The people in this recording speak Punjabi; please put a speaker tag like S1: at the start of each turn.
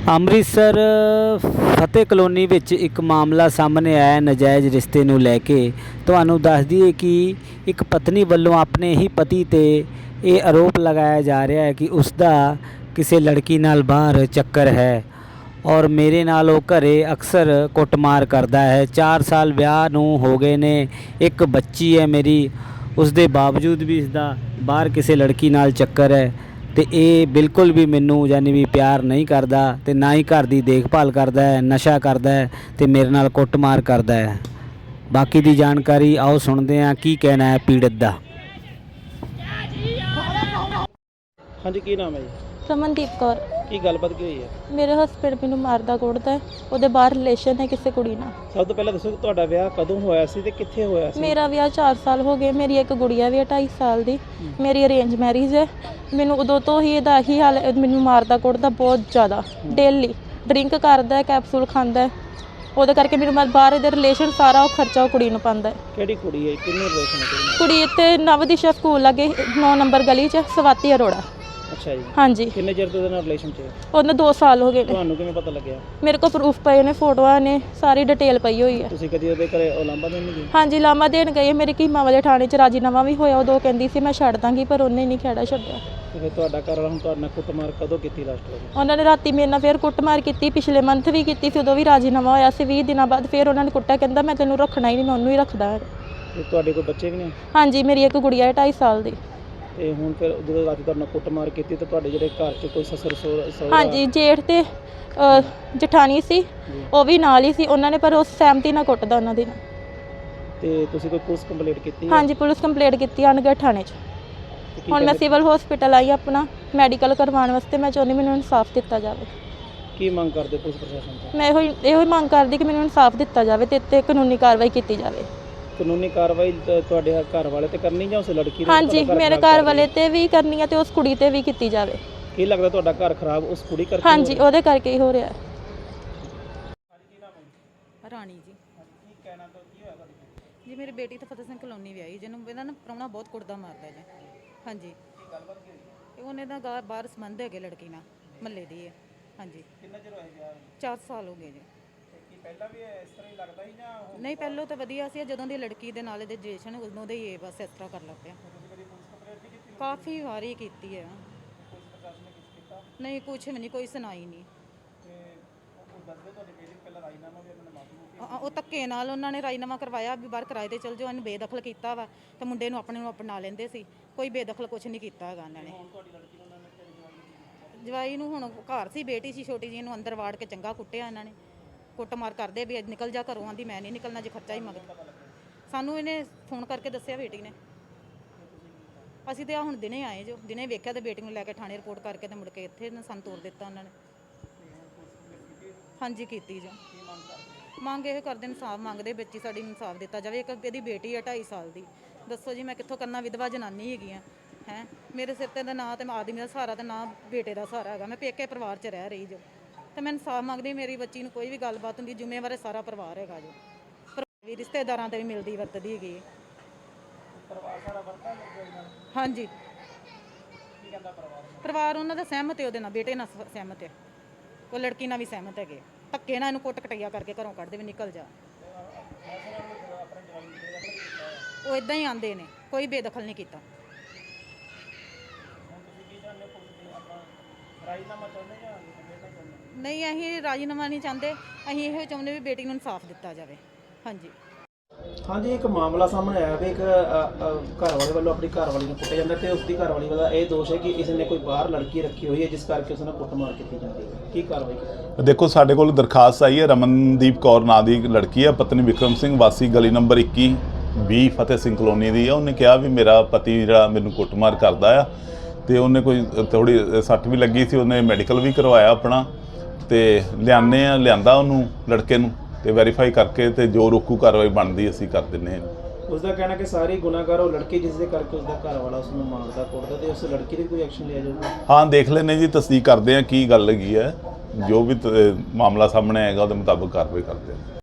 S1: ਅੰਮ੍ਰਿਤਸਰ ਫਤਿਹ ਕਲੋਨੀ ਵਿੱਚ ਇੱਕ ਮਾਮਲਾ ਸਾਹਮਣੇ ਆਇਆ ਨਜਾਇਜ਼ ਰਿਸ਼ਤੇ ਨੂੰ ਲੈ ਕੇ। ਤੁਹਾਨੂੰ ਦੱਸ ਦਈਏ ਕਿ ਇੱਕ ਪਤਨੀ ਵੱਲੋਂ ਆਪਣੇ ਹੀ ਪਤੀ ਤੇ ਇਹ ਆਰੋਪ ਲਗਾਇਆ ਜਾ ਰਿਹਾ ਹੈ ਕਿ ਉਸ ਦਾ ਕਿਸੇ ਲੜਕੀ ਨਾਲ ਬਾਹਰ ਚੱਕਰ ਹੈ ਔਰ ਮੇਰੇ ਨਾਲ ਉਹ ਘਰੇ ਅਕਸਰ ਕੁੱਟਮਾਰ ਕਰਦਾ ਹੈ। 4 ਸਾਲ ਵਿਆਹ ਨੂੰ ਹੋ ਗਏ ਨੇ, ਇੱਕ ਬੱਚੀ ਹੈ ਮੇਰੀ, ਉਸ ਦੇ ਬਾਵਜੂਦ ਵੀ ਇਸ ਦਾ ਬਾਹਰ ਕਿਸੇ ਲੜਕੀ ਨਾਲ ਚੱਕਰ ਹੈ ਤੇ ਇਹ ਬਿਲਕੁਲ ਵੀ ਮੈਨੂੰ ਯਾਨੀ ਵੀ ਪਿਆਰ ਨਹੀਂ ਕਰਦਾ ਤੇ ਨਾ ਹੀ ਘਰ ਦੀ ਦੇਖਭਾਲ ਕਰਦਾ ਹੈ, ਨਸ਼ਾ ਕਰਦਾ ਹੈ ਤੇ ਮੇਰੇ ਨਾਲ ਕੁੱਟਮਾਰ ਕਰਦਾ ਹੈ। ਬਾਕੀ ਦੀ ਜਾਣਕਾਰੀ ਆਓ ਸੁਣਦੇ ਹਾਂ ਕੀ ਕਹਿਣਾ ਹੈ ਪੀੜਤ ਦਾ।
S2: ਹਾਂਜੀ, ਕੀ ਨਾਮ ਹੈ ਜੀ?
S3: ਰਮਨਦੀਪ ਕੌਰ।
S2: ਕੀ ਗੱਲਬਾਤ ਕੀ ਹੋਈ ਹੈ?
S3: ਮੇਰੇ ਹਸਬੈਂਡ ਮੈਨੂੰ ਮਾਰਦਾ ਕੁੱਟਦਾ ਹੈ, ਉਹਦੇ ਬਾਹਰ ਰਿਲੇਸ਼ਨ ਹੈ ਕਿਸੇ ਕੁੜੀ ਨਾਲ।
S2: ਸਭ ਤੋਂ ਪਹਿਲਾਂ ਦੱਸੋ ਕਿ ਤੁਹਾਡਾ ਵਿਆਹ ਕਦੋਂ ਹੋਇਆ ਸੀ ਤੇ ਕਿੱਥੇ ਹੋਇਆ ਸੀ?
S3: ਮੇਰਾ ਵਿਆਹ 4 ਸਾਲ ਹੋ ਗਏ। ਮੇਰੀ ਇੱਕ ਗੁੜੀਆ ਵੀ ਹੈ 2.5 ਸਾਲ ਦੀ। ਮੇਰੀ ਅਰੇਂਜ ਮੈਰਿਜ ਹੈ। ਮੈਨੂੰ ਉਦੋਂ ਤੋਂ ਹੀ ਇਹਦਾ ਹੀ ਹਾਲ, ਮੈਨੂੰ ਮਾਰਦਾ ਕੁੱਟਦਾ ਬਹੁਤ ਜ਼ਿਆਦਾ। ਡੇਲੀ ਡਰਿੰਕ ਕਰਦਾ, ਕੈਪਸੂਲ ਖਾਂਦਾ ਹੈ। ਉਹਦੇ ਕਰਕੇ ਮੈਨੂੰ ਬਾਹਰ ਇਹਦੇ ਰਿਲੇਸ਼ਨ ਸਾਰਾ ਉਹ ਖਰਚਾ ਉਹ ਕੁੜੀ ਨੂੰ ਪਾਉਂਦਾ ਹੈ।
S2: ਕਿਹੜੀ ਕੁੜੀ ਹੈ? ਕਿੰਨੇ ਰਿਲੇਸ਼ਨ ਹੈ?
S3: ਕੁੜੀ ਇੱਥੇ ਨਵਦਿਸ਼ਾ ਸਕੂਲ ਲਾਗੇ 9 ਨੰਬਰ ਗਲੀ 'ਚ ਸਵਾਤੀ ਅਰੋੜਾ।
S2: ਅੱਛਾ ਜੀ।
S3: ਹਾਂਜੀ।
S2: ਕਿੰਨੇ ਚਿਰ ਤੋਂ ਉਹਦੇ ਨਾਲ ਰਿਲੇਸ਼ਨ 'ਚ ਹੈ?
S3: ਉਹਨੇ 2 ਸਾਲ ਹੋ ਗਏ ਨੇ।
S2: ਤੁਹਾਨੂੰ ਕਿਵੇਂ ਪਤਾ ਲੱਗਿਆ?
S3: ਮੇਰੇ ਕੋਲ ਪ੍ਰੂਫ ਪਏ ਨੇ, ਫੋਟੋਆਂ ਨੇ, ਸਾਰੀ ਡਿਟੇਲ ਪਈ ਹੋਈ ਹੈ।
S2: ਤੁਸੀਂ ਕਦੀ ਉਹਦੇ ਘਰੇ ਉਲਾਂਭਾ ਦੇਣ ਨਹੀਂ ਗਏ?
S3: ਹਾਂਜੀ, ਲਾਮਾ ਦੇਣ ਗਏ। ਮੇਰੇ ਕੀਮਾ ਵਾਲੇ ਥਾਣੇ 'ਚ ਰਾਜੀਨਾਮਾ ਵੀ ਹੋਇਆ। ਉਦੋਂ ਕਹਿੰਦੀ ਸੀ ਮੈਂ ਛੱਡ ਦਾਂਗੀ, ਪਰ ਉਹਨੇ ਨਹੀਂ ਖਹਿੜਾ ਛੱਡਿਆ।
S2: ਤੇ ਫਿਰ ਤੁਹਾਡਾ ਘਰ ਵਾਲਾ ਹੁਣ ਤੁਹਾਡੇ ਨਾਲ ਕੁੱਟਮਾਰ ਕਦੋਂ ਕੀਤੀ ਲਾਸਟ ਵਾਰ?
S3: ਉਹਨਾਂ ਨੇ ਰਾਤੀ ਮੇਰੇ ਨਾਲ ਫਿਰ ਕੁੱਟਮਾਰ ਕੀਤੀ, ਪਿਛਲੇ ਮੰਥ ਵੀ ਕੀਤੀ ਸੀ, ਉਦੋਂ ਵੀ ਰਾਜੀਨਾਮਾ ਹੋਇਆ ਸੀ। 20 ਦਿਨਾਂ ਬਾਅਦ ਫਿਰ ਉਹਨਾਂ ਨੇ ਕੁੱਟਿਆ, ਕਹਿੰਦਾ ਮੈਂ ਤੈਨੂੰ ਰੱਖਣਾ ਹੀ ਨਹੀਂ, ਮੈਂ ਉਹਨੂੰ ਹੀ ਰੱਖਦਾ ਹੈ।
S2: ਤੇ ਤੁਹਾਡੇ ਕੋਲ ਬੱਚੇ ਵੀ ਨੇ?
S3: ਹਾਂਜੀ, ਮੇਰੀ ਇੱਕ ਗੁੜੀਆ ਹੈ 2.5 ਸਾਲ ਦੀ।
S2: ਤੇ ਹੁਣ ਫਿਰ ਜਦੋਂ ਰਾਤੀ ਤੁਹਾਡੇ ਨਾਲ ਕੁੱਟਮਾਰ ਕੀਤੀ ਤੇ ਤੁਹਾਡੇ ਜਿਹੜੇ ਘਰ 'ਚ ਕੋਈ ਸਸੁਰ ਸਹੁਰਾ?
S3: ਹਾਂਜੀ, ਜੇਠ ਤੇ ਜਠਾਣੀ ਸੀ, ਉਹ ਵੀ ਨਾਲ ਹੀ ਸੀ। ਉਹਨਾਂ ਨੇ ਪਰ ਉਸ ਸਹਿਮਤੀ ਨਾਲ ਕੁੱਟਦਾ ਉਹਨਾਂ ਦੀ।
S2: ਤੇ ਤੁਸੀਂ ਕੋਈ ਪੁਲਿਸ ਕੰਪਲੇਂਟ ਕੀਤੀ?
S3: ਹਾਂਜੀ, ਪੁਲਿਸ ਕੰਪਲੇਂਟ ਕੀਤੀ ਅਨਗੜ ਥਾਣੇ 'ਚ। ਹੁਣ ਮੈਂ ਸਿਵਲ ਹਸਪੀਟਲ ਆਈ ਆਪਣਾ ਮੈਡੀਕਲ ਕਰਵਾਉਣ ਵਾਸਤੇ। ਮੈਂ ਚਾਹੁੰਦੀ ਮੈਨੂੰ ਇਨਸਾਫ ਦਿੱਤਾ ਜਾਵੇ।
S2: ਕੀ ਮੰਗ ਕਰਦੇ ਪੁਲਿਸ ਪ੍ਰਸ਼ਾਸਨ ਤੋਂ?
S3: ਮੈਂ ਇਹੋ ਹੀ ਮੰਗ ਕਰਦੀ ਕਿ ਮੈਨੂੰ ਇਨਸਾਫ ਦਿੱਤਾ ਜਾਵੇ ਤੇ ਇੱਥੇ ਕਾਨੂੰਨੀ ਕਾਰਵਾਈ ਕੀਤੀ ਜਾਵੇ।
S2: ਕਾਨੂੰਨੀ ਕਾਰਵਾਈ ਤੁਹਾਡੇ ਘਰ ਵਾਲੇ ਤੇ ਕਰਨੀ ਜਾਂ ਉਸ ਲੜਕੀ ਦੇ?
S3: ਹਾਂਜੀ, ਮੇਰੇ ਘਰ ਵਾਲੇ ਤੇ ਵੀ ਕਰਨੀ ਹੈ ਤੇ ਉਸ ਕੁੜੀ ਤੇ ਵੀ ਕੀਤੀ ਜਾਵੇ।
S2: ਕੀ ਲੱਗਦਾ ਤੁਹਾਡਾ ਘਰ ਖਰਾਬ ਉਸ ਕੁੜੀ ਕਰਕੇ?
S3: ਹਾਂਜੀ, ਉਹਦੇ ਕਰਕੇ ਹੀ ਹੋ ਰਿਹਾ।
S4: ਰਾਣੀ ਜੀ।
S2: ਕੀ ਕਹਿਣਾ ਤਾਂ ਕੀ ਹੋਇਆ ਤੁਹਾਡੀ?
S4: ਜੀ ਮੇਰੀ ਬੇਟੀ ਤਾਂ ਫਤਿਹ ਸਿੰਘ ਕਲੋਨੀ ਵਿਆਹੀ, ਜਿਹਨੂੰ ਇਹਦਾ ਨਾ ਪ੍ਰਾਹੁਣਾ ਬਹੁਤ ਕੁੱਟਦਾ ਮਾਰਦਾ ਜੀ। ਹਾਂਜੀ।
S2: ਕੀ ਗੱਲਬਾਤ ਕੀ ਹੋਈ?
S4: ਇਹ ਉਹਨੇ ਦਾ ਬਾਹਰ ਸੰਬੰਧ ਹੈਗੇ ਲੜਕੀ ਨਾਲ, ਮਹੱਲੇ ਦੀ ਹੈ। ਹਾਂਜੀ।
S2: ਕਿੰਨਾ ਚਿਰ ਹੋਇਆ ਵਿਆਹ ਨੂੰ?
S4: 4 ਸਾਲ ਹੋ ਗਏ ਜੀ।
S2: ਕੀ ਪਹਿਲਾਂ ਵੀ ਇਸ ਤਰ੍ਹਾਂ ਹੀ ਲੱਗਦਾ ਸੀ ਜਾਂ
S4: ਨਹੀਂ, ਪਹਿਲੋਂ ਤਾਂ ਵਧੀਆ ਸੀ, ਜਦੋਂ ਦੀ ਲੜਕੀ ਦੇ ਨਾਲ ਇਹਦੇ ਰਿਲੇਸ਼ਨ ਉਦੋਂ ਦੇ ਹੀ ਇਹ ਬਸ ਇਸ ਤਰ੍ਹਾਂ ਕਰ ਲੱਗ ਪਿਆ। ਕਾਫੀ ਵਾਰੀ ਕੀਤੀ ਹੈ। ਨਹੀਂ, ਕੁਛ ਵੀ ਨਹੀਂ, ਕੋਈ ਸੁਣਾਈ ਨਹੀਂ। ਉਹ ਧੱਕੇ ਨਾਲ ਉਹਨਾਂ ਨੇ ਰਾਜੀਨਾਮਾ ਕਰਵਾਇਆ ਵੀ ਬਾਹਰ ਕਿਰਾਏ ਤੇ ਚਲ ਜਾਓ, ਇਹਨੂੰ ਬੇਦਖਲ ਕੀਤਾ ਵਾ ਤੇ ਮੁੰਡੇ ਨੂੰ ਆਪਣੇ ਨੂੰ ਅਪਣਾ ਲੈਂਦੇ ਸੀ। ਕੋਈ ਬੇਦਖਲ ਕੁਛ ਨਹੀਂ ਕੀਤਾ ਹੈਗਾ ਇਹਨਾਂ ਨੇ। ਜਵਾਈ ਨੂੰ ਹੁਣ ਘਰ ਸੀ, ਬੇਟੀ ਸੀ ਛੋਟੀ ਜਿਹੀ, ਇਹਨੂੰ ਅੰਦਰ ਵਾੜ ਕੇ ਚੰਗਾ ਕੁੱਟਿਆ ਇਹਨਾਂ ਨੇ। ਕੁੱਟਮਾਰ ਕਰਦੇ ਵੀ ਅੱਜ ਨਿਕਲ ਜਾ ਘਰੋਂ, ਆਂਦੀ ਮੈਂ ਨਹੀਂ ਨਿਕਲਣਾ ਜੇ ਖਰਚਾ ਹੀ ਮੰਗਦਾ। ਸਾਨੂੰ ਇਹਨੇ ਫੋਨ ਕਰਕੇ ਦੱਸਿਆ ਬੇਟੀ ਨੇ। ਅਸੀਂ ਤੇ ਆ ਹੁਣ ਦਿਨੇ ਆਏ ਜੋ, ਦਿਨੇ ਵੇਖਿਆ ਤੇ ਬੇਟੀ ਨੂੰ ਲੈ ਕੇ ਥਾਣੇ ਰਿਪੋਰਟ ਕਰਕੇ ਤੇ ਮੁੜ ਕੇ ਇੱਥੇ ਸਾਨੂੰ ਤੋਰ ਦਿੱਤਾ ਉਹਨਾਂ ਨੇ। ਹਾਂਜੀ, ਕੀਤੀ ਜੋ। ਮੰਗ ਇਹ ਕਰਦੇ, ਇਨਸਾਫ ਮੰਗਦੇ, ਬੱਚੀ ਸਾਡੀ ਇਨਸਾਫ ਦਿੱਤਾ ਜਾਵੇ। ਇੱਕ ਇਹਦੀ ਬੇਟੀ ਹੈ 2.5 ਸਾਲ ਦੀ। ਦੱਸੋ ਜੀ ਮੈਂ ਕਿੱਥੋਂ ਕਰਨਾ? ਵਿਧਵਾ ਜਨਾਨੀ ਹੈਗੀ ਆ ਹੈ। ਮੇਰੇ ਸਿਰ ਤੇ ਦਾ ਨਾਂ ਤੇ ਆਦਮੀ ਦਾ ਸਹਾਰਾ ਤੇ ਨਾ ਬੇਟੇ ਦਾ ਸਹਾਰਾ ਹੈਗਾ। ਮੈਂ ਪੇਕੇ ਪਰਿਵਾਰ 'ਚ ਰਹਿ ਰਹੀ ਜੋ ਤੇ ਮੈਂ ਇਨਸਾਫ ਮੰਗਦੀ। ਮੇਰੀ ਬੱਚੀ ਨੂੰ ਕੋਈ ਵੀ ਗੱਲਬਾਤ ਹੁੰਦੀ, ਜ਼ਿੰਮੇਵਾਰ ਸਾਰਾ ਪਰਿਵਾਰ ਹੈਗਾ ਜੋ। ਵੀ ਰਿਸ਼ਤੇਦਾਰਾਂ ਤੇ ਵੀ ਮਿਲਦੀ ਵਰਤਦੀ ਹੈਗੀ। ਹਾਂਜੀ, ਪਰਿਵਾਰ ਉਹਨਾਂ ਦਾ ਸਹਿਮਤ ਹੈ, ਉਹਦੇ ਨਾਲ ਬੇਟੇ ਨਾਲ ਸਹਿਮਤ ਹੈ, ਉਹ ਲੜਕੀ ਨਾਲ ਵੀ ਸਹਿਮਤ ਹੈਗੇ। ਧੱਕੇ ਨਾਲ ਇਹਨੂੰ ਕੁੱਟ ਕਟਈਆ ਕਰਕੇ ਘਰੋਂ ਕੱਢਦੇ ਵੀ ਨਿਕਲ ਜਾ। ਉਹ ਇਦਾਂ ਹੀ ਆਂਦੇ ਨੇ, ਕੋਈ ਬੇਦਖਲ ਨਹੀਂ ਕੀਤਾ। ਨਹੀਂ, ਅਸੀਂ ਰਾਜੀਨਾਮਾ ਨਹੀਂ ਚਾਹੁੰਦੇ। ਅਸੀਂ ਇਹੋ ਚਾਹੁੰਦੇ ਵੀ ਬੇਟੀ ਨੂੰ ਇਨਸਾਫ ਦਿੱਤਾ ਜਾਵੇ। ਹਾਂਜੀ।
S2: ਹਾਂਜੀ, ਇੱਕ ਮਾਮਲਾ ਸਾਹਮਣੇ ਆਇਆ ਵੀ ਇੱਕ ਘਰ ਵਾਲੇ ਵੱਲੋਂ ਆਪਣੀ ਘਰ ਵਾਲੀ ਨੂੰ ਕੁੱਟਿਆ ਜਾਂਦਾ ਤੇ ਉਸ ਦੀ ਘਰ ਵਾਲੀ ਦਾ ਇਹ ਦੋਸ਼ ਹੈ ਕਿ ਇਸ ਨੇ ਕੋਈ ਬਾਹਰ ਲੜਕੀ ਰੱਖੀ ਹੋਈ ਹੈ ਜਿਸ ਕਰਕੇ ਉਸ ਨਾਲ ਕੁੱਟਮਾਰ ਕੀਤੀ ਜਾਂਦੀ ਹੈ। ਕੀ ਕਾਰਵਾਈ ਕੀਤੀ?
S5: ਦੇਖੋ, ਸਾਡੇ ਕੋਲ ਦਰਖਾਸਤ ਆਈ ਹੈ। ਰਮਨਦੀਪ ਕੌਰ ਨਾਂ ਦੀ ਲੜਕੀ ਹੈ, ਪਤਨੀ ਵਿਕਰਮ ਸਿੰਘ, ਵਾਸੀ ਗਲੀ ਨੰਬਰ 21-20 ਫਤਿਹ ਸਿੰਘ ਕਲੋਨੀ ਦੀ ਹੈ। ਉਹਨੇ ਕਿਹਾ ਵੀ ਮੇਰਾ ਪਤੀ ਜਿਹੜਾ ਮੈਨੂੰ ਕੁੱਟਮਾਰ ਕਰਦਾ ਆ ਤੇ ਉਹਨੇ ਕੋਈ ਥੋੜੀ ਸੱਟ ਵੀ ਲੱਗੀ ਸੀ, ਉਹਨੇ ਮੈਡੀਕਲ ਵੀ ਕਰਵਾਇਆ ਆਪਣਾ ਤੇ ਲਿਆਂਦਾ ਉਹਨੂੰ ਲੜਕੇ ਨੂੰ ਤੇ ਵੈਰੀਫਾਈ ਕਰਕੇ ਤੇ ਜੋ ਰੋਕੂ ਕਾਰਵਾਈ ਬਣਦੀ ਅਸੀਂ ਕਰ ਦਿੰਦੇ ਹਾਂ।
S2: ਉਸ ਦਾ ਕਹਿਣਾ ਕਿ ਸਾਰੀ ਗੁਨਾਹਗਾਰ ਉਹ ਲੜਕੀ ਜਿਸ ਦੇ ਕਰਕੇ ਉਸ ਦਾ ਘਰ ਵਾਲਾ ਉਸ ਨੂੰ ਮਾਰਦਾ ਕੁੱਟਦਾ ਤੇ ਉਸ ਲੜਕੀ ਦੇ ਕੋਈ ਐਕਸ਼ਨ ਲਿਆ ਜਾਊਗਾ?
S5: ਹਾਂ, ਦੇਖ ਲੈਂਦੇ ਜੀ, ਤਸਦੀਕ ਕਰਦੇ ਹਾਂ ਕੀ ਗੱਲ ਹੈਗੀ ਹੈ। ਜੋ ਵੀ ਮਾਮਲਾ ਸਾਹਮਣੇ ਆਏਗਾ ਉਹਦੇ ਮੁਤਾਬਕ ਕਾਰਵਾਈ ਕਰਦੇ ਹਾਂ।